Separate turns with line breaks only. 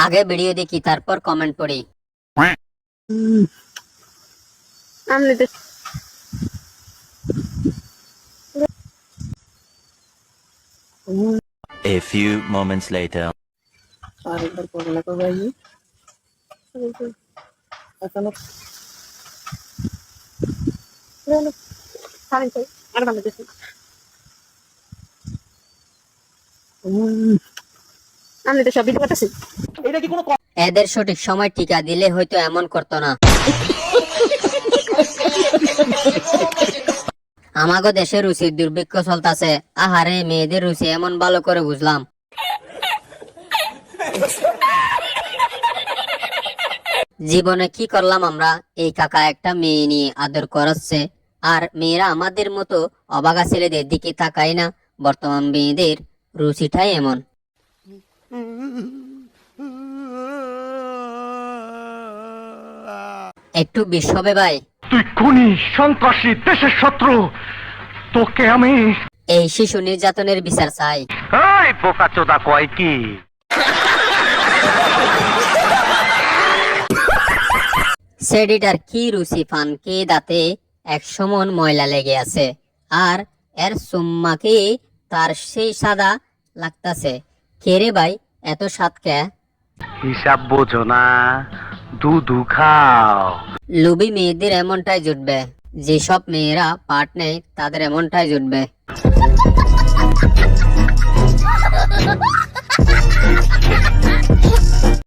আগে ভিডিও দেখি তারপর কমেন্ট পড়ি।
A few moments later.
এদের সঠিক সময় টিকা দিলে হয়তো এমন করতো না। আমাগো দেশে রুচির দুর্ভিক্ষ চলতেছে। আহারে, মেয়েদের রুচি এমন ভালো করে বুঝলাম। জীবনে কি করলাম আমরা? এই কাকা একটা মেয়ে নিয়ে আদর করাচ্ছে, আর মেয়েরা আমাদের মতো অবাগা ছেলেদের দিকে তাকায় না। বর্তমান মেয়েদের রুচিটাই এমন। একটু বিষ হবে ভাই?
তুই খুনি, সন্ত্রাসী, দেশের শত্রু, তোকে আমি
এই শিশু নির্যাতনের বিচার চাই।
এই বোকাচোদা কয় কি?
সেডিটার কি রুচি ফান কে দাঁতে এক সমান ময়লা লেগে আছে, আর এর সুম্মাকে তার সেই সাদা লাগতাছে। কে রে ভাই, এত স্বাদ কে?
হিসাব বোঝো না, দুধু খাও।
লুবি মেয়েদের এমনটাই জুটবে, যেসব মেয়েরা পার্ট নেয় তাদের এমনটাই জুটবে।